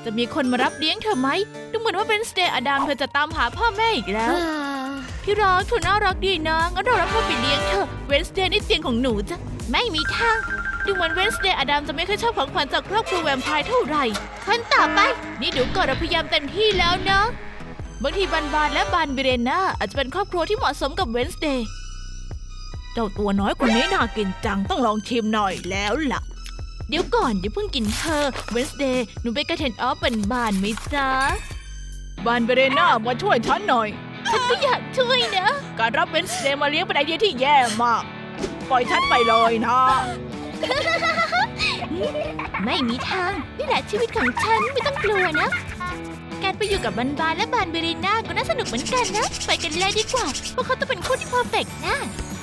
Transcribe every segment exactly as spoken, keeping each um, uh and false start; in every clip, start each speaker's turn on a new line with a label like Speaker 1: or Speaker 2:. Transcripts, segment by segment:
Speaker 1: จะมีคนมารับเลี้ยงเธอไหมดูเหมือนว่าเวนสเดย์อดัมเธอจะตามหาพ่อแม่อีกแล้วพี่รักเธอน่ารักดีนะงั้นเรารับเธอไปเลี้ยงเธอเวนสเดย์นี่เตียงของหนูจ้ะไม่มีทางดูเหมือนเวนสเดย์อดัมจะไม่เคยชอบของขวัญจากครอบครัวแวมไพร์เท่าไหร่คนต่อไปนี่เดี๋ยวก่อนเราพยายามเต็มที่แล้วนะบางทีบานบานและบานเบเรน่าอาจจะเป็นครอบครัวที่เหมาะสมกับเวนสเดย์เจ้าตัวน้อยคนนี้น่ากินจังต้องลองชิมหน่อยแล้วล่ะเดี๋ยวก่อนเดี๋ยวเพิ่งกินเธอเวนสเดย์หนูไปกระเทนออฟเป็นบานไหมจ๊ะบานเบเรน่ามาช่วยฉันหน่อยฉันก็อยากช่วยนะการรับเวนสเดย์มาเลี้ยงเป็นไอเดียที่แย่มากปล่อยฉันไปเลยนะ ไม่มีทางนี่แหละชีวิตของฉันไม่ต้องกลัวนะการไปอยู่กับบานบานและบานเบเรน่าก็น่าสนุกเหมือนกันนะไปกันเลยดีกว่าเพราะเขาต้องเป็นคู่ที่เพอร์เฟกต์นะ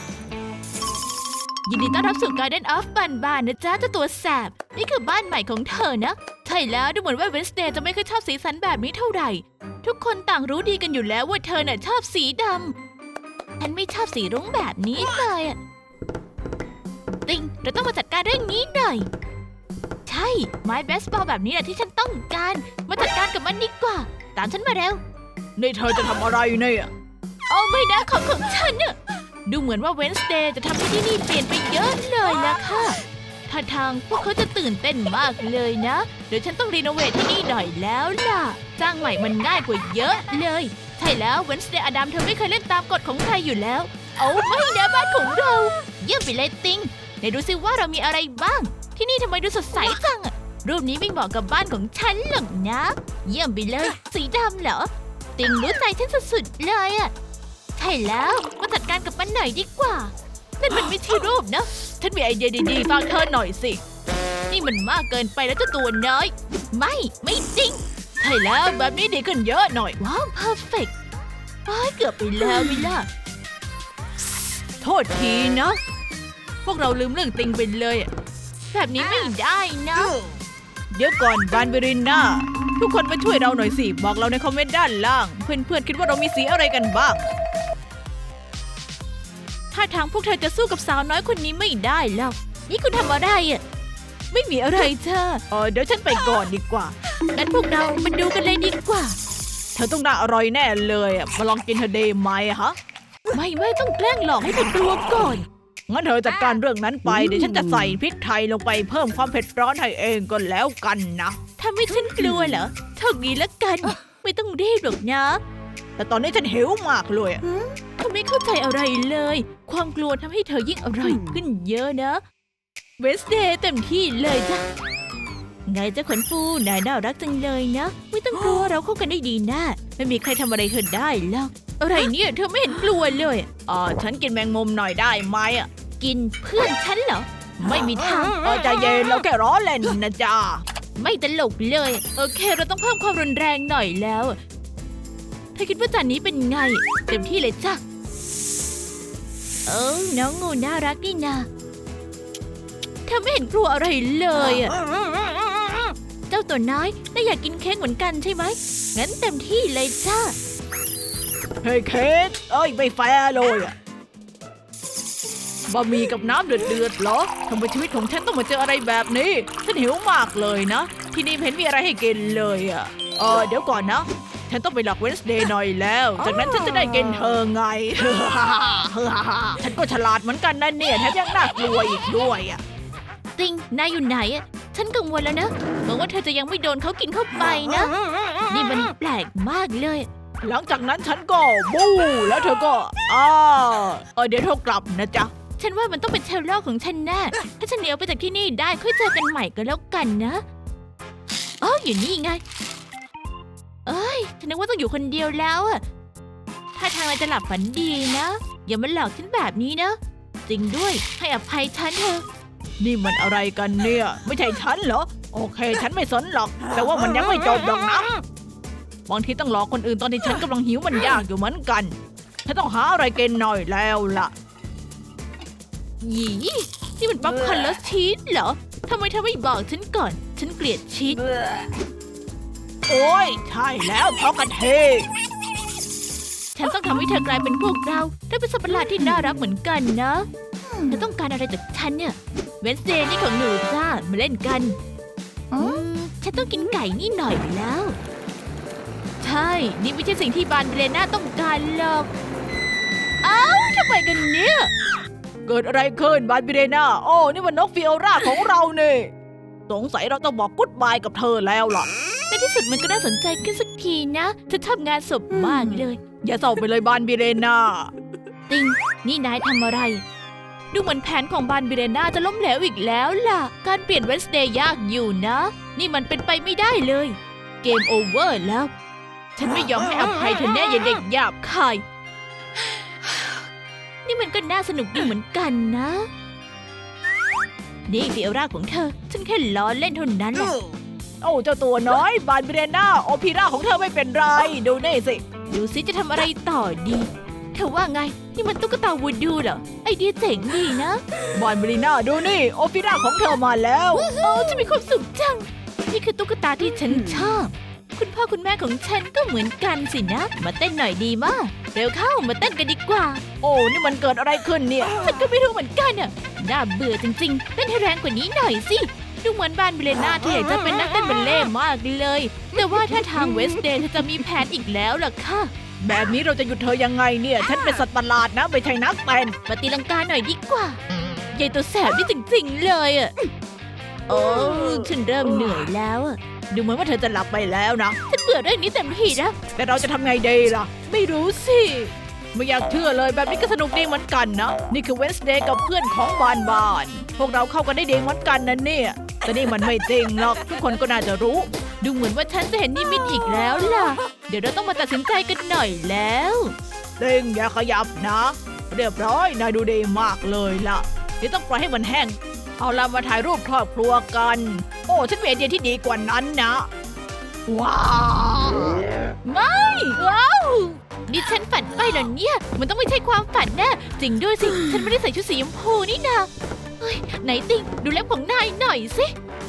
Speaker 1: ยินดีต้อนรับสู่ Garden of บานบานนะจ๊ะเจ้าตัวแสบนี่คือบ้านใหม่ของเธอนะใช่แล้วดูเหมือนว่าเวนสเดย์จะไม่เคยชอบสีสันแบบนี้เท่าไหร่ทุกคนต่างรู้ดีกันอยู่แล้วว่าเธอน่ะชอบสีดำฉันไม่ชอบสีรุ้งแบบนี้เลยอะติงเราต้องมาจัดการเรื่องนี้หน่อยใช่ไม้เบสบอลแบบนี้แหละที่ฉันต้องการมาจัดการกับมันดีกว่าตามฉันมาเร็วนี่เธอจะทำอะไรเนี่ยโอ้ไม่นะของของฉันเนี่ยดูเหมือนว่าเวนสเดย์จะทำให้ที่นี่เปลี่ยนไปเยอะเลยล่ะค่ะท่าทางพวกเขาจะตื่นเต้นมากเลยนะเดี๋ยวฉันต้องรีโนเวทที่นี่หน่อยแล้วล่ะสร้างใหม่มันง่ายกว่าเยอะเลยใช่แล้วเวนสเดย์อดัมเธอไม่เคยเล่นตามกฎของใครอยู่แล้วโอ้ไม่นะบ้านของเราเยี่ยมไปเลยติงไหนดูซิว่าเรามีอะไรบ้างที่นี่ทำไมดูสดใสจังอะรูปนี้ไม่เหมาะกับบ้านของฉันหรอกนะเยี่ยมไปเลยสีดำเหรอติงรู้ใจฉันสุดๆเลยอะใช่แล้วมาจัดการกับมันหน่อยดีกว่านั่นมันไม่ใช่รูปนะฉันมีไอเดียดีๆฟังเธอหน่อยสินี่มันมากเกินไปแล้วเจ้าตัวน้อยไม่ไม่จริงใช่แล้วแบบนี้ดีขึ้นเยอะหน่อยว้าวเพอร์เฟกต์เกือบไปแล้วมิล่ะโทษทีนะพวกเราลืมเรื่องติงไปเลยแบบนี้ไม่ได้นะเดี๋ยวก่อนบานเบริน่าทุกคนมาช่วยเราหน่อยสิบอกเราในคอมเมนต์ด้านล่างเพื่อนๆคิดว่าเรามีสีอะไรกันบ้างถ้าทางพวกเธอจะสู้กับสาวน้อยคนนี้ไม่ได้แล้วนี่คุณทำอะไรอ่ะไม่มีอะไรเธอเออเดี๋ยวฉันไปก่อนดีกว่างั้นพวกเรามาดูกันเลยดีกว่าเธอต้องน่าอร่อยแน่เลยอ่ะมาลองกินเธอได้ไหมฮะไม่ไม่ต้องแกล้งหลอกให้เธอกลัวก่อนงั้นเธอจัดการเรื่องนั้นไปเดี๋ยวฉันจะใส่พริกไทยลงไปเพิ่มความเผ็ดร้อนให้เองก็แล้วกันนะทำให้ฉันกลัวเหรอโชคดีแล้วกันไม่ต้องรีบหรอกนะแต่ตอนนี้ฉันหิวมากเลยเธอไม่เข้าใจอะไรเลยความกลัวทำให้เธอยิ่งอร่อยขึ้นเยอะนะเวสเดย์เต็มที่เลยจ้ะไงเจ้าขนฟูนายน่ารักจังเลยนะไม่ต้องกลัวเราเข้ากันได้ดีนะไม่มีใครทำอะไรเธอได้หรอกอะไรเนี่ยเธอไม่เห็นกลัวเลยอ๋อฉันกินแมงมุมหน่อยได้ไหมอ่ะกินเพื่อนฉันเหรอไม่มีทางเออใจเย็นเราแค่ล้อเล่นนะจ๊ะไม่ตลกเลยโอเคเราต้องเพิ่มความรุนแรงหน่อยแล้วเธอคิดว่าจานนี้เป็นไงเต็มที่เลยจ้ะเออน้องงูน่ารักนี่นาเธอไม่เห็นกลัวอะไรเลยอ่ะเจ้าตัวน้อยน่าอยากกินเค้กเหมือนกันใช่ไหมงั้นเต็มที่เลยจ้าเฮ้ยเค้กเอ้ยไม่แฟร์เลยอ่ะบะหมี่กับน้ำเดือดๆเหรอทำไมชีวิตของฉันต้องมาเจออะไรแบบนี้ฉันหิวมากเลยนะที่นี่เห็นมีอะไรให้กินเลยอ่ะเออเดี๋ยวก่อนนะฉันต้องไปหลอกเวนสเดย์หน่อยแล้วจากนั้นฉันจะได้กินเธอไง ฉันก็ฉลาดเหมือนกันนะเนี่ยแถมยังน่ากลัวอีกด้วยอ่ะติงนายอยู่ไหนอ่ะฉันกังวลแล้วนะหวังว่าเธอจะยังไม่โดนเขากินเข้าไปนะนี่มันแปลกมากเลยหลังจากนั้นฉันก็บู๊แล้วเธอก็อ้าเออเดี๋ยวเธอกลับนะจ๊ะฉันว่ามันต้องเป็นเชลล์ของฉันแน่ถ้าฉันหนีออกไปจากที่นี่ได้ค่อยเจอกันใหม่ก็แล้วกันนะอ๋ออยู่นี่ไงเอ้ยฉันนึกว่าต้องอยู่คนเดียวแล้วอะถ้าทางเราจะหลับฝันดีนะอย่ามาหลอกฉันแบบนี้นะจริงด้วยให้อภัยฉันเถอะนี่มันอะไรกันเนี่ยไม่ใช่ฉันเหรอโอเคฉันไม่สนหรอกแต่ว่ามันยังไม่จบหรอกนะบางทีต้องหลอกคนอื่นตอนที่ฉันกำลังหิวมันยากอยู่เหมือนกันฉันต้องหาอะไรกินหน่อยแล้วล่ะหยีนี่มันป๊อปคอร์นและชีสเหรอทำไมเธอไม่บอกฉันก่อนฉันเกลียดชีสโอ้ยใช่แล้วเพราะกระเทยฉันต้องทำให้เธอกลายเป็นพวกเราได้เป็นสัตว์ประหลาดที่น่ารักเหมือนกันนะเธอต้องการอะไรจากฉันเนี่ยเวนสเดย์นี่ของหนูจ้ามาเล่นกันฉันต้องกินไก่นี่หน่อยแล้ว ใช่ นี่ไม่ใช่สิ่งที่บานเบรน่าต้องการหรอก เอ้าทำไมกันเนี่ย เกิดอะไรขึ้นบานเบรน่าโอ้นี่มันนกฟิโอราของเราเนี่ยสงสัยเราต้องบอกกุ๊ดบายกับเธอแล้วล่ะในที่สุดมันก็น่าสนใจขึ้นสักทีนะเธอทำงานศพมากเลย อย่าเศร้าไปเลยบานเบรน่าติงนี่นายทำอะไรดูเหมือนแผนของบานเบรน่าจะล้มเหลวอีกแล้วล่ะการเปลี่ยนเวนสเดย์ยากอยู่นะนี่มันเป็นไปไม่ได้เลยเกมโอเวอร์แล้วฉันไม่ยอมให้อภัยเธอแน่อย่าเด็กหยาบคายนี่มันก็น่าสนุกดีเหมือนกันนะนี่ฟิโอราของเธอฉันแค่ล้อเล่นเท่านั้นแหละโอ้เจ้าตัวน้อยบานเบรน่าโอพีราของเธอไม่เป็นไรดูนี่สิดูสิจะทำอะไรต่อดีเธอว่าไงนี่มันตุ๊กตาวูดูเหรอไอเดียเจ๋งดีนะบานเบรน่าดูนี่โอพีราของเธอมาแล้วโอ้จะมีความสุขจังนี่คือตุ๊กตาที่ฉันชอบคุณพ่อคุณแม่ของฉันก็เหมือนกันสินะมาเต้นหน่อยดีมากเร็วเข้ามาเต้นกันดีกว่าโอ้นี่มันเกิดอะไรขึ้นเนี่ยฉันก็ไม่รู้เหมือนกันอ่ะน่าเบื่อจริงๆเต้นให้แรงกว่านี้หน่อยสิดูเหมือนบานเบรน่าที่อยากจะเป็นนักเต้นบัลเล่ต์มากเลยแต่ว่าถ้าทางเวสเดย์เธอจะมีแผนอีกแล้วล่ะค่ะแบบนี้เราจะหยุดเธอยังไงเนี่ยฉันเป็นสัตว์ประหลาดนะไม่ใช่นักเต้นปฏิลังกาหน่อยดีกว่าใหญ่ตัวแสบนี่จริงๆเลยอ่ะโอ้ฉันเริ่มเหนื่อยแล้วอ่ะดูเหมือนว่าเธอจะหลับไปแล้วนะฉันเบื่อเรื่องนี้เต็มที่นะแต่เราจะทำไงดีล่ะไม่รู้สิไม่อยากเชื่อเลยแบบนี้ก็สนุกดีเหมือนกันนะนี่คือเวนสเดย์กับเพื่อนของบานบานพวกเราเข้ากันได้ดีเหมือนกันนะเนี่ยแต่นี่มันไม่จริงหรอกทุกคนก็น่าจะรู้ดูเหมือนว่าฉันจะเห็นนิมิตอีกแล้วล่ะเดี๋ยวเราต้องมาตัดสินใจกันหน่อยแล้วเร่งอย่าขยับนะเรียบร้อยนายดูดีมากเลยล่ะเดี๋ยวต้องปล่อยให้มันแห้งเอาล่ะมาถ่ายรูปครอบครัวกันโอ้ฉันมีไอเดียที่ดีกว่านั้นนะว้าวไม่ว้าวนี่ฉันฝันไปเหรอเนี่ยมันต้องไม่ใช่ความฝันแน่จริงด้วยสิฉันไม่ได้ใส่ชุดสีชมพูนี่นาเฮ้ยไหนติงดูเล็บของนายหน่อยสิ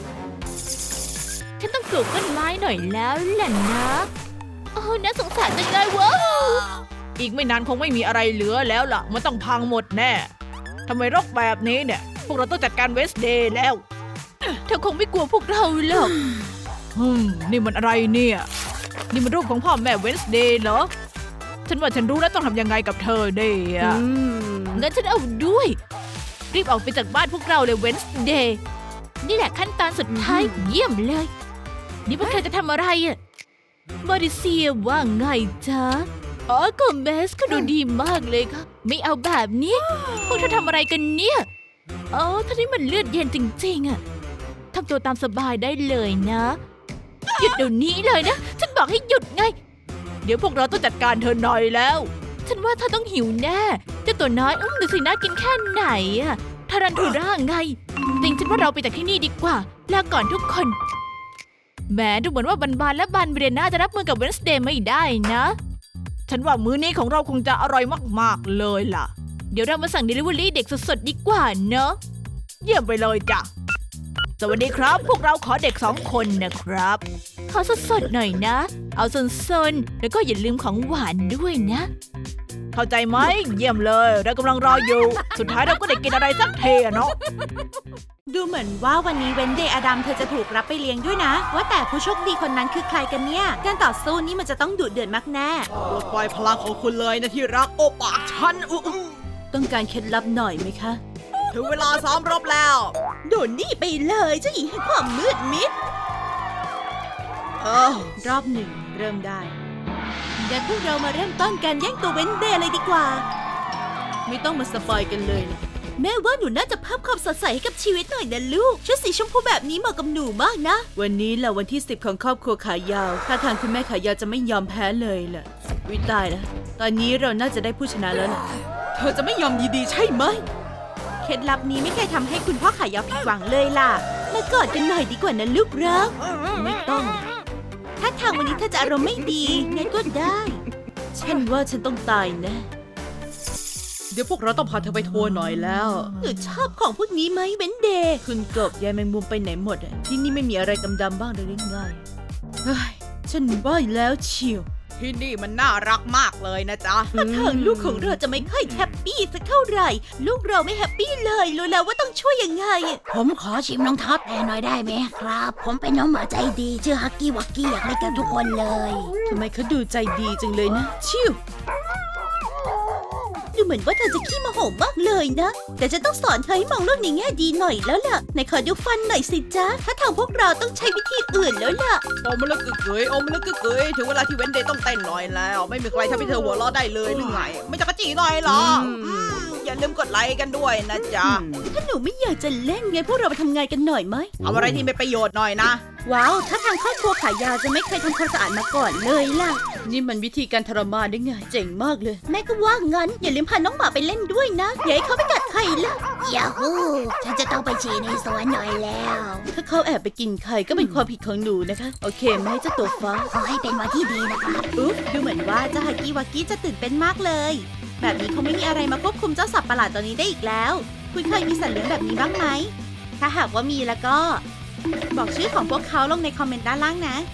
Speaker 1: ฉันต้องปลูกต้นไม้หน่อยแล้วแหละนะโอ้น่าสงสารจังเลยว้าวอีกไม่นานคงไม่มีอะไรเหลือแล้วล่ะมันต้องพังหมดแน่ทำไมรกแบบนี้เนี่ยพวกเราต้องจัดการเวสเดย์แล้วเธอคงไม่กลัวพวกเราหรอกฮึมนี่มันอะไรเนี่ยนี่มันรูปของพ่อแม่เวนสเดย์เหรอฉันว่าฉันรู้แล้วต้องทำยังไงกับเธอเดย์อ่ะงั้นฉันเอาด้วยรีบออกไปจากบ้านพวกเราเลยเวนสเดย์นี่แหละขั้นตอนสุดท้ายเยี่ยมเลยนี่พวกเธอจะทำอะไรอ่ะมาริเซียว่าไงจ๊ะอ๋อโกเมสก็ดูดีมากเลยค่ะไม่เอาแบบนี้พวกเธอทำอะไรกันเนี่ยอ๋อท่านี้มันเลือดเย็นจริงๆอ่ะทำตัวตามสบายได้เลยนะหยุดเดี๋ยวนี้เลยนะฉันบอกให้หยุดไงเดี๋ยวพวกเราต้องจัดการเธอหน่อยแล้วฉันว่าเธอต้องหิวแน่เจ้าตัวน้อยอุ้มดูสิน่ากินแค่ไหนอะทารันทูร่าไงจริงฉันว่าเราไปจากที่นี่ดีกว่าลาก่อนทุกคนแหมดูเหมือนว่าบันบานและบันเบรน่าจะรับมือกับเวนสเดย์ไม่ได้นะฉันว่ามื้อนี้ของเราคงจะอร่อยมากๆเลยล่ะเดี๋ยวเรามาสั่งเดลิเวอรี่เด็กสดๆดีกว่าเนอะเยี่ยมไปเลยจ้ะสวัสดีครับพวกเราขอเด็กสองคนนะครับขอสดๆหน่อยนะเอาซนๆแล้วก็อย่าลืมของหวานด้วยนะเข้าใจไหมเยี่ยมเลยเรากำลังรออยู่สุดท้ายเราก็ได้กินอะไรสักเทอะเนาะ
Speaker 2: ดูเหมือนว่าวันนี้เวนเดย์อดัมเธอจะถูกรับไปเลี้ยงด้วยนะว่าแต่ผู้โชคดีคนนั้นคือใครกันเนี่ยการต่อสู้นี่มันจะต้องดุเดือดมากแน่
Speaker 3: ปลดปล่อยพลังของคุณเลยนะที่รักโอปากฉันอุ๊
Speaker 2: ต้องการเคล็ดลับหน่อยไหมคะ
Speaker 3: ถึงเวลาซ้อมรบแล้ว
Speaker 2: โดนนี่ไปเลยเจ้าหญิงแห่งความมืดมิดเออรอบหนึ่งเริ่มได้งั้นพวกเรามาเริ่มต้นการแย่งตัวเวนเดย์เลยดีกว่าไม่ต้องมาสปอยกันเลยนะแม่ว่าหนูน่าจะเพิ่มความสดใสให้กับชีวิตหน่อยนะลูกชุดสีชมพูแบบนี้เหมาะกับหนูมากนะวันนี้แหละวันที่สิบของครอบครัวขายาวถ้าทางคุณแม่ขายาวจะไม่ยอมแพ้เลยล่ะวิตายแล้วตอนนี้เราน่าจะได้ผู้ชนะแล้วล่ะ
Speaker 3: เธอจะไม่ยอมดีๆใช่ไหม
Speaker 2: เคล็ดลับนี้ไม่เคยทำให้คุณพ่อขายาวผิดหวังเลยล่ะมากอดกันหน่อยดีกว่านะลูกรักไม่ต้องถ้าทางวันนี้เธอจะอารมณ์ไม่ดีงั้นก็ได้ฉันว่าฉันต้องตายแน่
Speaker 3: เดี๋ยวพวกเราต้องพาเธอไปทัวร์หน่อยแล้ว
Speaker 2: หนูชอบของพวกนี้ไหมเบนเดย์คุณกบยายแมงมุมไปไหนหมดอ่ะที่นี่ไม่มีอะไรดำๆบ้างเลยหรือไงเฮ้ยฉันว่าแล้วเชียวที่นี่มันน่ารักมากเลยนะจ๊ะถ้าทางลูกของเราจะไม่ค่อยแฮปปี้สักเท่าไหร่ ลูกเราไม่แฮปปี้เลยรู้แล้วว่าต้องช่วยยังไง
Speaker 4: ผมขอชิมรองเท้าแตะหน่อยได้ไหมครับ ผมเป็นน้องหมาใจดีชื่อฮักกี้วักกี้อยากเล่นกับทุกคนเลย
Speaker 2: ทำไมเขาดูใจดีจังเลยนะ ชิวดูเหมือนว่าเธอจะขี้โมโหมากเลยนะ แต่จะต้องสอนเธอให้มองโลกในแง่ดีหน่อยแล้วล่ะไหนขอดูฟันหน่อยสิจ๊ะ ถ้าทางพวกเราต้องใช้วิธีอื่นแล้วล่ะ
Speaker 3: โอมละกึกเกยโอมละกึกเกยถึงเวลาที่เวนเดย์ต้องเต้นหน่อยแล้ว ไม่มีใครทำให้เธอหัวเราะได้เลยหรือไง ไม่จะกระจีหน่อยเหรออืมอย่าลืมกดไลค์กันด้วยนะจ๊ะ
Speaker 2: ถ้าหนูไม่อยากจะเล่นไงพวกเราไปทำงานกันหน่อยไหม
Speaker 3: เอาอะไรที่มีประโยชน์หน่อยนะ
Speaker 2: ว้าว ถ้าทางครอบครัวขายาวจะไม่เคยทำความสะอาดมาก่อนเลยล่ะ นี่มันวิธีการทรมานได้ไง เจ๋งมากเลย แม่ก็ว่างั้น อย่าลืมพาน้องหมาไปเล่นด้วยนะ อย่าให้เขาไปกัดใครล่ะ
Speaker 4: ยาฮูฉันจะต้องไปฉี่ในสวนหน่อยแล้ว
Speaker 2: ถ้าเขาแอบไปกินไข่ก็เป็นความผิดของหนูนะคะ โอเคไหมเจ้าตัวฟ้า
Speaker 4: ขอให้เป็นวันที่ดีนะครับ
Speaker 2: อุ๊บดูเหมือนว่าเจ้าฮากิวากิจะตื่นเต้นมากเลย แบบนี้คงไม่มีอะไรมาควบคุมเจ้าสัตว์ประหลาดตัวนี้ได้อีกแล้ว คุณเคยมีสัตว์เลี้ยงแบบนี้บ้างไหม ถ้าหากว่ามีแล้วก็ บอกชื่อของพวกเขาลงในคอมเมนต์ด้านล่างนะ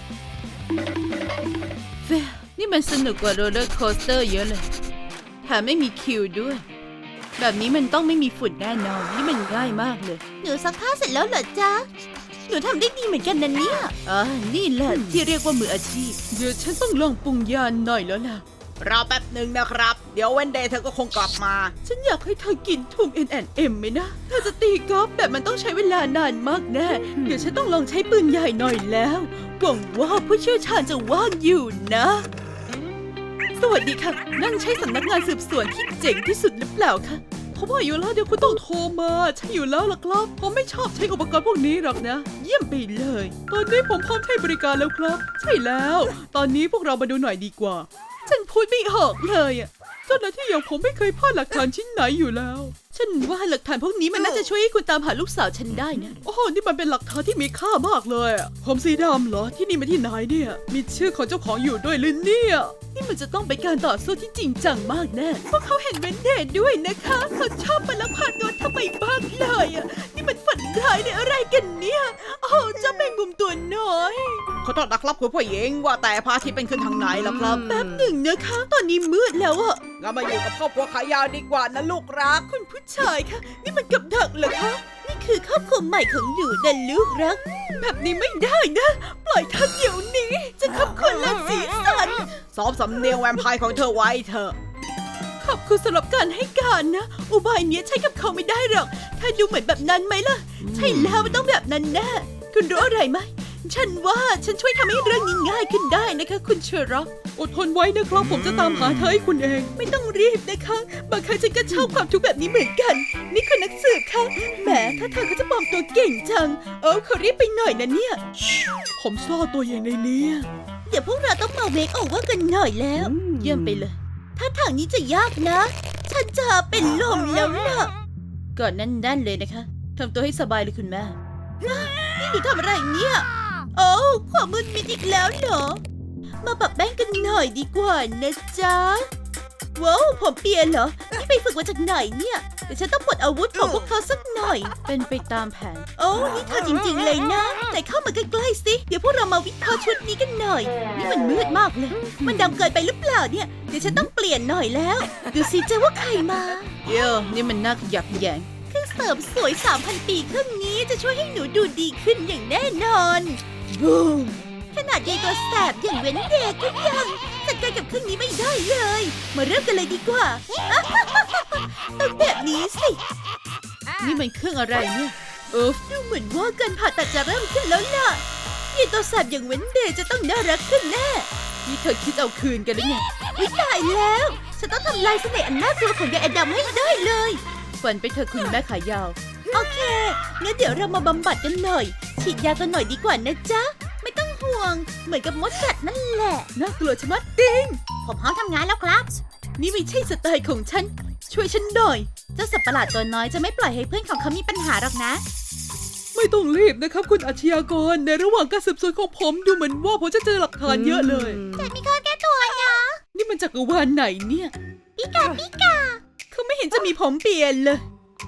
Speaker 2: เฟนี่มันสนุกกว่าโรลเลอร์โคสเตอร์เยอะเลยแถมไม่มีคิวด้วย แบบนี้มันต้องไม่มีฝุ่นแน่นอนนี่มันง่ายมากเลย หนูซักผ้าเสร็จแล้วเหรอจ๊ะ หนูทำได้ดีเหมือนกันนะเนี่ยอ่านี่แหละที่เรียกว่ามืออาชีพ เดี๋ยวฉันต้องลองปรุงยาหน่อยแล้วล่ะ
Speaker 3: รอแป๊บหนึ่งนะครับ เดี๋ยวเวนเดย์เธอก็คงกลับมา
Speaker 2: ฉันอยากให้เธอกินทุ่ง เอ็น แอนด์ เอ็ม ไหมนะ เธอจะตีกอล์ฟแบบมันต้องใช้เวลานานมากแน่ เดี๋ยวฉันต้องลองใช้ปืนใหญ่หน่อยแล้ว หวังว่าผู้เชี่ยวชาญจะว่างอยู่นะ สวัสดีค่ะ นั่นใช่สำนักงานสืบสวนที่เจ๋งที่สุดหรือเปล่าคะเขาว่าอยู่แล้วเดี๋ยวคุณต้องโทรมาใช่อยู่แล้วล่ะครับผมไม่ชอบใช้อุปกรณ์พวกนี้หรอกนะ เยี่ยมไปเลย ตอนนี้ผมพร้อมใช้บริการแล้วครับ ใช่แล้ว ตอนนี้พวกเรามาดูหน่อยดีกว่า ฉันพูดไม่ออกเลยอ่ะเจ้าหน้าที่อย่างผมไม่เคยพลาดหลักฐานชิ้นไหนอยู่แล้ว ฉันว่าหลักฐานพวกนี้มันน่าจะช่วยให้คุณตามหาลูกสาวฉันได้นะ โอ้โหนี่มันเป็นหลักฐานที่มีค่ามากเลยอะผมสีดำเหรอที่นี่มาที่ไหนเนี่ย มีชื่อของเจ้าของอยู่ด้วยหรือเนี่ยนี่มันจะต้องเป็นการต่อสู้ที่จริงจังมากแน่พวกเขาเห็นเวนเดย์ด้วยนะคะเขาชอบมาลักพาตัวทำไมบ้างเลยอ่ะนี่มันฝันร้ายในอะไรกันเนี่ยโอ้เจ้าแมงมุมตัวน้อย
Speaker 3: ขอโทษนะครับคุณผู้หญิงว่าแต่พระอาทิตย์เป็นขึ้นทางไหนล่ะครับ
Speaker 2: แป๊บหนึ่งนะคะ ตอนนี้มืดแล้วอะ
Speaker 3: เรามาอยู่กับครอบครัวขายาวดีกว่านะลูกรัก
Speaker 2: คุณผู้ชายคะนี่มันกับดักเหรอคะ นี่คือครอบครัวใหม่ของหนูนะลูกรัก แบบนี้ไม่ได้นะ ปล่อยเธอเดี๋ยวนี้ จะขับคนละสีสัน
Speaker 3: ซ้อมสำเนียงแวมไพร์ของเธอไว้เถอะ
Speaker 2: ขอบคุณสำหรับการให้การนะ อุบายเนี้ยใช้กับเขาไม่ได้หรอกถ้าดูเหมือนแบบนั้นไหมล่ะ ใช่แล้วมันต้องแบบนั้นแน่คุณรู้อะไรไหม ฉันว่าฉันช่วยทำให้เรื่องนี้ง่ายขึ้นได้นะคะ คุณเชอร็อกอดทนไว้นะครับ ผมจะตามหาเธอให้คุณเอง ไม่ต้องรีบนะคะ บางครั้งฉันก็ชอบความทุกข์แบบนี้เหมือนกัน นี่คุณนักสืบคะแหมถ้าเธอเขาจะปลอมตัวเก่งจัง เออขอรีบไปหน่อยนะเนี่ย
Speaker 3: ผมซ่อนตัวอย่างในนี้
Speaker 2: เดี๋ยวพวกเราต้องมาเมคโอเวอร์กันหน่อยแล้ว เยี่ยมไปเลย ถ้าทางนี้จะยากนะ ฉันจะเป็นลมแล้วล่ะก่อนนั่นๆเลยนะคะทำตัวให้สบายเลยคุณแม่นี่หนูทำอะไรเนี่ย โอ้ความมืดมิดอีกแล้วเหรอ มาปรับแป้งกันหน่อยดีกว่านะจ๊ะ ว้าวผมเปียเหรอ นี่ไปฝึกมาจากไหนเนี่ย เดี๋ยวฉันต้องปลดอาวุธของพวกเขาสักหน่อย เป็นไปตามแผน โอ้นี่เธอจริงๆเลยนะ แต่เข้ามาใกล้ๆสิ เดี๋ยวพวกเรามาวิเคราะห์ชุดนี้กันหน่อย นี่มันมืดมากเลย มันดำเกินไปหรือเปล่าเนี่ย เดี๋ยวฉันต้องเปลี่ยนหน่อยแล้ว ดูสิเจ้าว่าใครมา เดี๋ยวนี่มันน่าขยักแยงเครื่องเสริมสวย สามพัน ปีเครื่องนี้จะช่วยให้หนูดูดีขึ้นอย่างแน่นอนบูมขนาดยายตัวแสบอย่างเว้นเด็กก็ยังจัดการกับเครื่องนี้ไม่ได้เลย มาเริ่มกันเลยดีกว่า ต้องแบบนี้สิ นี่มันเครื่องอะไรเนี่ยเออดูเหมือนว่าการผ่าตัดจะเริ่มขึ้นแล้วล่ะยายตัวแสบอย่างเว้นเด็กจะต้องน่ารักขึ้นแน่นี่เธอคิดเอาคืนกันหรือไงอุ๊ยตายแล้วฉันต้องทำลายเสน่ห์อันน่ากลัวของยายแอดำให้ได้เลยฝันไปเธอคุณแม่ขายาว โอเคงั้นเดี๋ยวเรามาบำบัดกันหน่อย ฉีดยากันหน่อยดีกว่านะจ๊ะ ไม่ต้องห่วง เหมือนกับมดกัดนั่นแหละ น่ากลัวชะมัดติง
Speaker 4: ผมพร้อมทำงานแล้วครับ
Speaker 2: นี่ไม่ใช่สไตล์ของฉัน ช่วยฉันหน่อย เจ้าสัตว์ประหลาดตัวน้อยจะไม่ปล่อยให้เพื่อนของเขามีปัญหาหรอกนะ
Speaker 3: ไม่ต้องรีบนะครับคุณอาชญากร ในระหว่างการสืบสวนของผมดูเหมือนว่าผมจะเจอหลักฐานเยอะเลย
Speaker 4: แต่มีข้อแก้ตัวนะ
Speaker 2: นี่มันจักรวาลไหนเนี่ย
Speaker 4: ปิกาปิกา
Speaker 2: เขาไม่เห็นจะมีผมเปลี่ยนเลย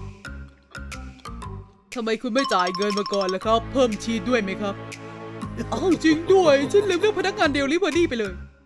Speaker 3: ทำไมคุณไม่จ่ายเงินมาก่อนล่ะครับ เพิ่มชีสด้วยไหมครับอ้าวจริงด้วย ฉันลืมเรื่องพนักงานเดลิเวอรี่ไปเลย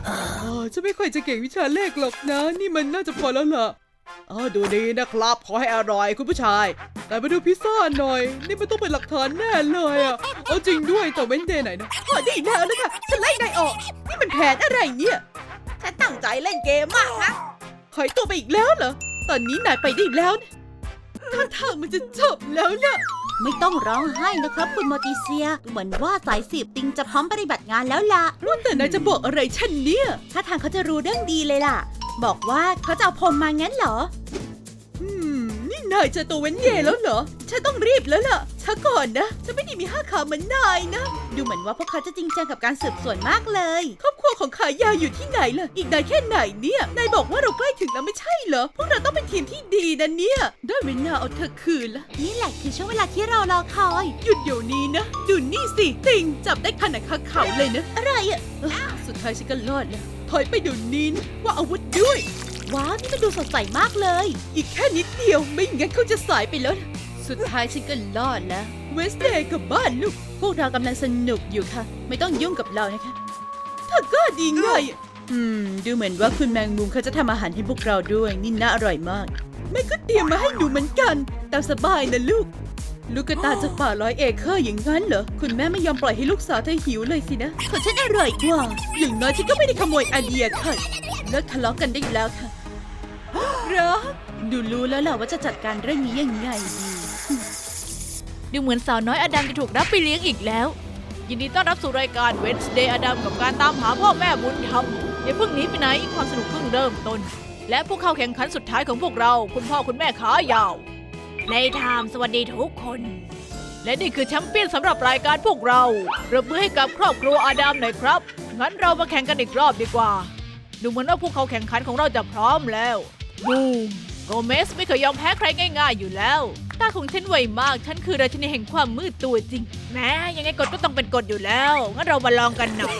Speaker 2: อ๋อฉันไม่ค่อยจะเก่งวิชาเลขหรอกนะ นี่มันน่าจะพอแล้วล่ะอ๋อดูดีนะครับ ขอให้อร่อยคุณผู้ชาย แต่มาดูพิซซ่าหน่อย นี่มันต้องเป็นหลักฐานแน่เลยอ่ะเอาจริงด้วยแต่เว้นเดย์ไหนนะพอดีแล้วนะคะฉันไล่นายออก นี่มันแผนอะไรเนี่ย
Speaker 3: ฉันตั้งใจเล่นเกมมากนะ
Speaker 2: หายตัวไปอีกแล้วเหรอ ตอนนี้นายไปได้แล้วนะท่าทางมันจะจบแล้วนะ
Speaker 4: ไม่ต้องร้องไห้นะครับคุณโมติเซีย เหมือนว่าสายสืบติงจะพร้อมปฏิบัติงานแล้วล่ะ
Speaker 2: ว่าแต่นายจะบอกอะไรฉันเนี่ย
Speaker 4: ถ้าทางเขาจะรู้เรื่องดีเลยล่ะ บอกว่าเขาจะเอาพรมมางั้นเหรอ
Speaker 2: อืม นี่นายเจอตัวเว้นเย่แล้วเหรอ ฉันต้องรีบแล้วล่ะช้าก่อนนะ ฉันไม่ได้มีห้าขาเหมือนนายนะ
Speaker 4: ดูเหมือนว่าพวกเขาจะจริงจังกับการสืบสวนมากเลย
Speaker 2: ครอบครัวของขายาวอยู่ที่ไหนล่ะ อีกนานแค่ไหนเนี่ย นายบอกว่าเราใกล้ถึงแล้วไม่ใช่เหรอ พวกเราต้องเป็นทีมที่ดีนะเนี่ย ได้เวลาเอาเธอคืนละ
Speaker 4: นี่แหละคือช่วงเวลาที่เรารอคอย
Speaker 2: หยุดเดี๋ยวนี้นะ ดูนี่สิ ติงจับได้ขนาดคาเขาเลยนะ
Speaker 4: อะไรอะ
Speaker 2: เอ้อสุดท้ายฉันก็รอดแล้ว ถอยไปเดี๋ยวนี้นะว่าอาวุธด้วย
Speaker 4: ว้าวนี่มันดูสดใสมากเลย
Speaker 2: อีกแค่นิดเดียวไม่งั้นเขาจะสายไปแล้วนะสุดท้ายฉันก็รอดแล้ว เวสเดย์กับบ้านลูก พวกเรากำลังสนุกอยู่ค่ะ ไม่ต้องยุ่งกับเรานะคะเธอก็ดีไงอะอืม ดูเหมือนว่าคุณแมงมุมเขาจะทำอาหารให้พวกเราด้วย นี่น่าอร่อยมากแม่ก็เตรียมมาให้หนูเหมือนกันตามสบายนะลูก ลูกกระตายจากป่าร้อยเอเคอร์อย่างนั้นเหรอ คุณแม่ไม่ยอมปล่อยให้ลูกสาวเธอหิวเลยสินะของฉันอร่อยกว่า อย่างน้อยฉันก็ไม่ได้ขโมยไอเดียค่ะเลิกทะเลาะกันได้แล้วค่ะรักดูรู้แล้วแหละว่าจะจัดการเรื่องนี้ยังไงดี
Speaker 1: ดูเหมือนสาวน้อยอดัมจะถูกรับไปเลี้ยงอีกแล้ว ยินดีต้อนรับสู่รายการ Wednesday อดัมกับการตามหาพ่อแม่บุญธรรมอย่าเพิ่งหนีไปไหนความสนุกเพิ่งเริ่มต้น และผู้เข้าแข่งขันสุดท้ายของพวกเราคุณพ่อคุณแม่ขายาวในไทม์สวัสดีทุกคน และนี่คือแชมเปี้ยนสำหรับรายการพวกเราปรบมือให้กับครอบครัวอดัมหน่อยครับงั้นเรามาแข่งกันอีกรอบดีกว่าดูเหมือนว่าผู้เข้าแข่งขันของเราจะพร้อมแล้วบูมโกเมสไม่เคยยอมแพ้ใครง่ายๆอยู่แล้วตาของฉันไวมากฉันคือราชินีแห่งความมืดตัวจริงแม้ยังไงกฎก็ต้องเป็นกฎอยู่แล้วงั้นเรามาลองกันหน่อย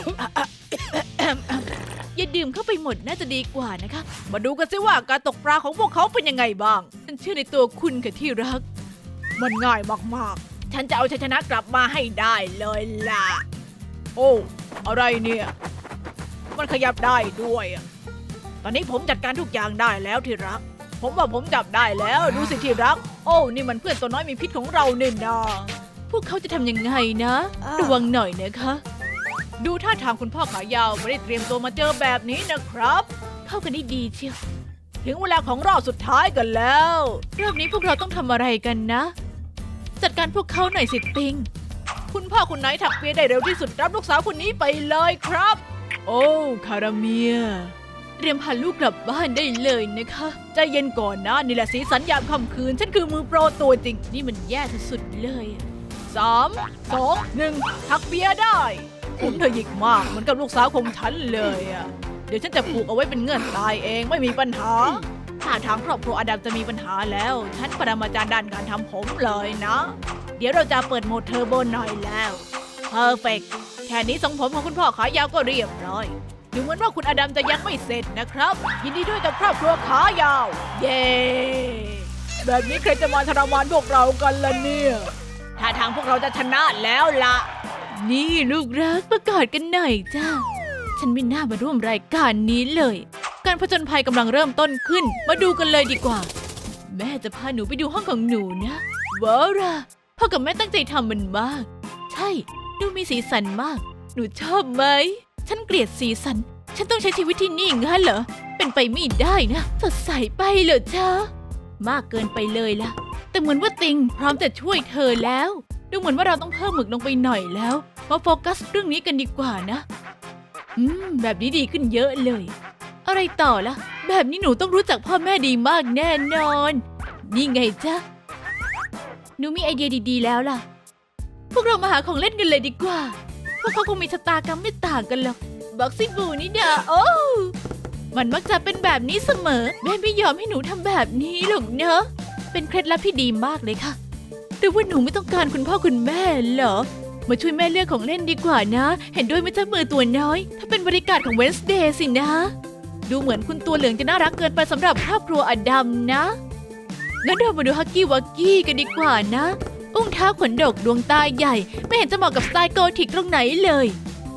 Speaker 1: อย่าดื่มเข้าไปหมดน่าจะดีกว่านะคะมาดูกันสิว่าการตกปลาของพวกเขาเป็นยังไงบ้างฉันเชื่อในตัวคุณค่ะที่รักมันง่ายมากๆฉันจะเอาชัยชนะกลับมาให้ได้เลยล่ะโอ้อะไรเนี่ยมันขยับได้ด้วยอะตอนนี้ผมจัดการทุกอย่างได้แล้วที่รักผมว่าผมจับได้แล้วดูสิที่รักโอ้นี่มันเพื่อนตัวน้อยมีพิษของเราเนี่ยนะพวกเขาจะทำยังไงนะระวังหน่อยนะคะดูท่าทางคุณพ่อขายาวไม่ได้เตรียมตัวมาเจอแบบนี้นะครับเข้ากันได้ดีเชียวถึงเวลาของรอบสุดท้ายกันแล้วรอบนี้พวกเราต้องทำอะไรกันนะจัดการพวกเขาหน่อยสิติงคุณพ่อคุณไหนถักเปียได้เร็วที่สุดรับลูกสาวคนนี้ไปเลยครับโอ้คาราเมียเตรียมพาลูกกลับบ้านได้เลยนะคะใจเย็นก่อนนะนี่แหละสีสันยามค่ำคืนฉันคือมือโปรตัวจริงนี่มันแย่สุดๆเลยสามสองหนึ่งถักเปียได้ผมเธอหยิกมากเหมือนกับลูกสาวของฉันเลยอ่ะเดี๋ยวฉันจะผูกเอาไว้เป็นเงื่อนตายเองไม่มีปัญหาถ้าทางครอบครัวอดัมจะมีปัญหาแล้วฉันปรมาจารย์ด้านการทำผมเลยนะเดี๋ยวเราจะเปิดโหมดเทอร์โบหน่อยแล้วเพอร์เฟกต์แค่นี้ทรงผมของคุณพ่อขายาวก็เรียบร้อยดูเหมือนว่าคุณอดัมจะยังไม่เสร็จนะครับยินดีด้วยกับครอบครัวขายาวเย้แบบนี้ใครจะมาทรมานพวกเรากันล่ะเนี่ยถ้าทางพวกเราจะชนะแล้วล่ะนี่ลูกรักประกาศกันหน่อยจ้าฉันไม่น่ามาร่วมรายการนี้เลยการผจญภัยกำลังเริ่มต้นขึ้นมาดูกันเลยดีกว่าแม่จะพาหนูไปดูห้องของหนูนะว้าวล่ะพ่อกับแม่ตั้งใจทำมันมากใช่ดูมีสีสันมากหนูชอบไหมฉันเกลียดสีสันฉันต้องใช้ชีวิตที่นี่งั้นเหรอเป็นไปไม่ได้นะสดใสไปเหรอจ้ามากเกินไปเลยล่ะแต่เหมือนว่าติงพร้อมจะช่วยเธอแล้วดูเหมือนว่าเราต้องเพิ่มหมึกลงไปหน่อยแล้วมาโฟกัสเรื่องนี้กันดีกว่านะอืมแบบนี้ดีขึ้นเยอะเลยอะไรต่อล่ะแบบนี้หนูต้องรู้จักพ่อแม่ดีมากแน่นอนนี่ไงจ๊ะหนูมีไอเดียดีๆแล้วล่ะพวกเรามาหาของเล่นกันเลยดีกว่าพวกเขาคงมีชะตากรรมไม่ต่างกันหรอกบ็อกซิ่งบูนี่เด้อโอ้มันมักจะเป็นแบบนี้เสมอแม่ไม่ยอมให้หนูทำแบบนี้หรอกเนอะเป็นเคล็ดลับที่ดีมากเลยค่ะหรือว่าหนูไม่ต้องการคุณพ่อคุณแม่เหรอมาช่วยแม่เลือกของเล่นดีกว่านะเห็นด้วยไหมเจ้ามือตัวน้อยถ้าเป็นบริการของ Wednesday สินะดูเหมือนคุณตัวเหลืองจะน่ารักเกินไปสำหรับครอบครัวอดัมนะงั้นเรามาดูฮักกี้วักกี้กันดีกว่านะอุ้งเท้าขนดกดวงตาใหญ่ไม่เห็นจะเหมาะกับสไตล์โกธิกตรงไหนเลย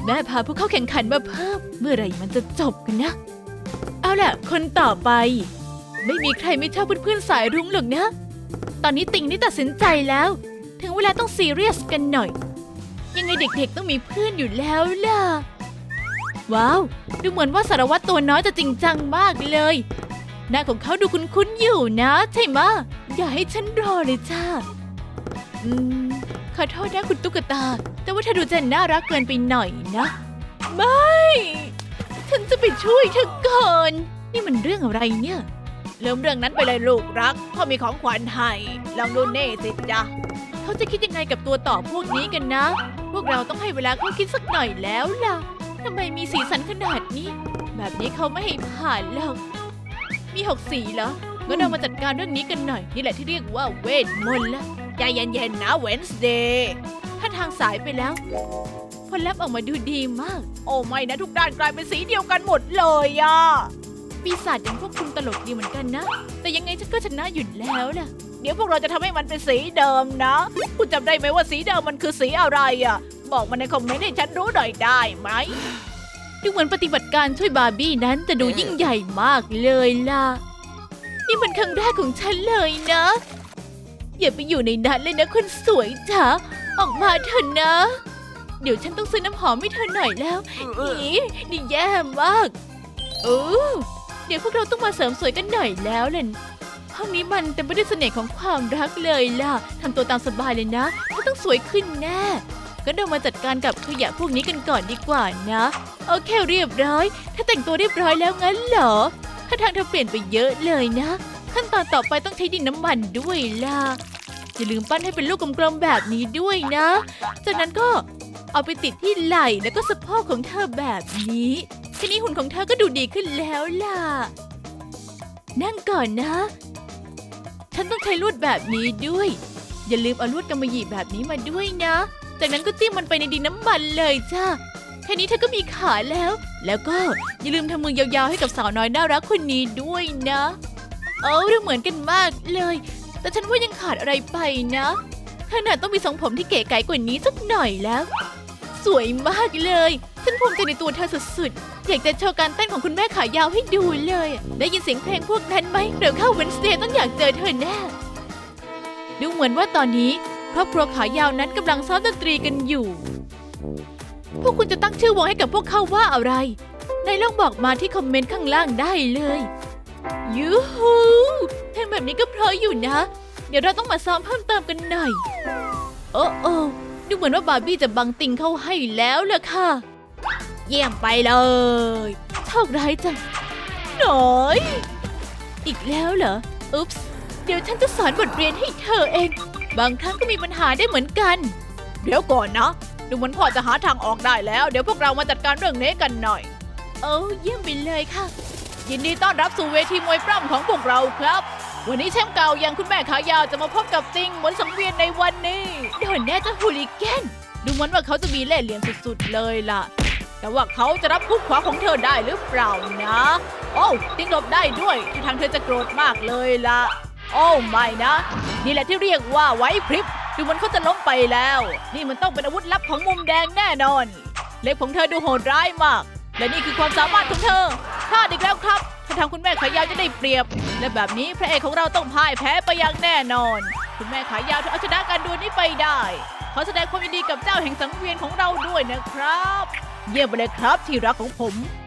Speaker 1: แม่พาผู้เข้าแข่งขันมาเพิ่ม เมื่อไหร่มันจะจบกันนะ เอาล่ะ คนต่อไป ไม่มีใครไม่ชอบเพื่อนๆสายรุ้งหรอกนะ ตอนนี้ติ่งนี่ตัดสินใจแล้ว ถึงเวลาต้องซีเรียสกันหน่อย ยังไงเด็กๆต้องมีเพื่อนอยู่แล้วล่ะ ว้าว ดูเหมือนว่าสารวัตรตัวน้อยจะจริงจังมากเลย หน้าของเขาดูคุ้นๆอยู่นะ ใช่ไหมะอย่าให้ฉันรอเลยจ้าอืม ขอโทษนะคุณตุ๊กตา แต่ว่าเธอดูจะน่ารักเกินไปหน่อยนะ ไม่ ฉันจะไปช่วยเธอก่อน นี่มันเรื่องอะไรเนี่ย
Speaker 3: เริ่มเรื่องนั้นไปเลยลูกรักพ่อมีของขวัญให้ลองดูเน่สิจ๊ะ
Speaker 1: เขาจะคิดยังไงกับตัวต่อพวกนี้กันนะ พวกเราต้องให้เวลาเขาคิดสักหน่อยแล้วล่ะทำไมมีสีสันขนาดนี้ แบบนี้เขาไม่ให้ผ่านหรอก มีหกสีเหรองั้นเรามาจัดการเรื่องนี้กันหน่อย นี่แหละที่เรียกว่าเวทมนต์ละ
Speaker 3: ใจเย็นๆนะเวนส์เดย์
Speaker 1: ถ้าทางสายไปแล้วผลลัพธ์ออกมาดูดีมาก
Speaker 3: โอ้ไม่นะทุกด้านกลายเป็นสีเดียวกันหมดเลยอะ
Speaker 1: ปีศาจอย่างพวกคุณตลกดีเหมือนกันนะ แต่ยังไงฉันก็ชนะอยู่แล้วล่ะ
Speaker 3: เดี๋ยวพวกเราจะทำให้มันเป็นสีเดิมนะคุณจำได้ไหมว่าสีเดิมมันคือสีอะไรอะบอกมาในคอมเมนต์ให้ฉันรู้หน่อยได้ไหม
Speaker 1: ดูเหมือนปฏิบัติการช่วยบาร์บี้นั้นจะดูยิ่งใหญ่มากเลยล่ะ นี่มันครั้งแรกของฉันเลยนะ อย่าไปอยู่ในนั้นเลยนะคนสวยจ๋า ออกมาเถอะนะ เดี๋ยวฉันต้องซื้อน้ำหอมให้เธอหน่อยแล้วอีนี่แย่มากเออเดี๋ยวพวกเราต้องมาเสริมสวยกันหน่อยแล้วล่ะห้องนี้มันเต็มไปด้วยเสน่ห์ของความรักเลยล่ะทำตัวตามสบายเลยนะเธอต้องสวยขึ้นแน่ก็เรามาจัดการกับขยะพวกนี้กันก่อนดีกว่านะโอเคเรียบร้อยถ้าแต่งตัวเรียบร้อยแล้วงั้นเหรอถ้าทางเธอเปลี่ยนไปเยอะเลยนะขั้นตอนต่อไปต้องใช้ดินน้ำมันด้วยล่ะอย่าลืมปั้นให้เป็นลูกกลมๆแบบนี้ด้วยนะจากนั้นก็เอาไปติดที่ไหล่แล้วก็สะโพกของเธอแบบนี้ทีนี้หุ่นของเธอก็ดูดีขึ้นแล้วล่ะนั่งก่อนนะฉันต้องใช้ลวดแบบนี้ด้วยอย่าลืมเอาลวดกำมะหยี่แบบนี้มาด้วยนะจากนั้นก็จิ้มมันไปในดินน้ำมันเลยจ้าแค่นี้เธอก็มีขาแล้ว แล้วก็อย่าลืมทำมือยาวๆให้กับสาวน้อยน่ารักคนนี้ด้วยนะเออดูเหมือนกันมากเลยแต่ฉันว่ายังขาดอะไรไปนะเธอน่ะต้องมีทรงผมที่เก๋ไก๋กว่านี้สักหน่อยแล้ว สวยมากเลยฉันภูมิใจในตัวเธอสุดๆอยากจะโชว์การเต้นของคุณแม่ขายาวให้ดูเลยได้ยินเสียงเพลงพวกนั้นไหมเดี๋ยวเข้าเวนสเดย์ต้องอยากเจอเธอแน่ดูเหมือนว่าตอนนี้ครอบครัวขายาวนั้นกำลังซ้อมดนตรีกันอยู่พวกคุณจะตั้งชื่อวงให้กับพวกเขาว่าอะไรในลองบอกมาที่คอมเมนต์ข้างล่างได้เลยยูฮูเพลงแบบนี้ก็เพราะอยู่นะเดี๋ยวเราต้องมาซ้อมเพิ่มเติมกันหน่อยโอ้โอ้ดูเหมือนว่าบาร์บี้จะบังติงเข้าให้แล้วล่ะค่ะเยี่ยมไปเลยโชคร้ายจังหน่อยอีกแล้วเหรออุ๊ปส์เดี๋ยวฉันจะสอนบทเรียนให้เธอเองบางครั้งก็มีปัญหาได้เหมือนกัน
Speaker 3: เดี๋ยวก่อนนะดูเหมือนพ่อจะหาทางออกได้แล้วเดี๋ยวพวกเรามาจัดการเรื่องนี้กันหน่อย
Speaker 1: โอ้เยี่ยมไปเลยค่ะ
Speaker 3: ยินดีต้อนรับสู่เวทีมวยปล้ำของพวกเราครับวันนี้แชมป์เก่าอย่างคุณแม่ขายาวจะมาพบกับติงเหมือนสังเวียนในวันนี้
Speaker 1: โดนแน่จะฮูลิแกน
Speaker 3: ดูเหมือนว่าเขาจะมีเล่ห์เหลี่ยมสุดๆเลยล่ะแต่ว่าเขาจะรับคุกขวาของเธอได้หรือเปล่านะโอ้ติงหลบได้ด้วยที่ทางเธอจะโกรธมากเลยล่ะโอ้ไม่นะนี่แหละที่เรียกว่าไว้พริบดูเหมือนเขาจะล้มไปแล้วนี่มันต้องเป็นอาวุธลับของมุมแดงแน่นอนเล็บของเธอดูโหดร้ายมากและนี่คือความสามารถของเธอพลาดอีกแล้วครับถ้าทางคุณแม่ขายาวจะได้เปรียบและแบบนี้พระเอกของเราต้องพ่ายแพ้ไปอย่างแน่นอนคุณแม่ขายาวเธอเอาชนะการดวลนี้ไปได้ขอแสดงความยินดีกับเจ้าแห่งสังเวียนของเราด้วยนะครับเยี่ยมไปเลยครับที่รักของผม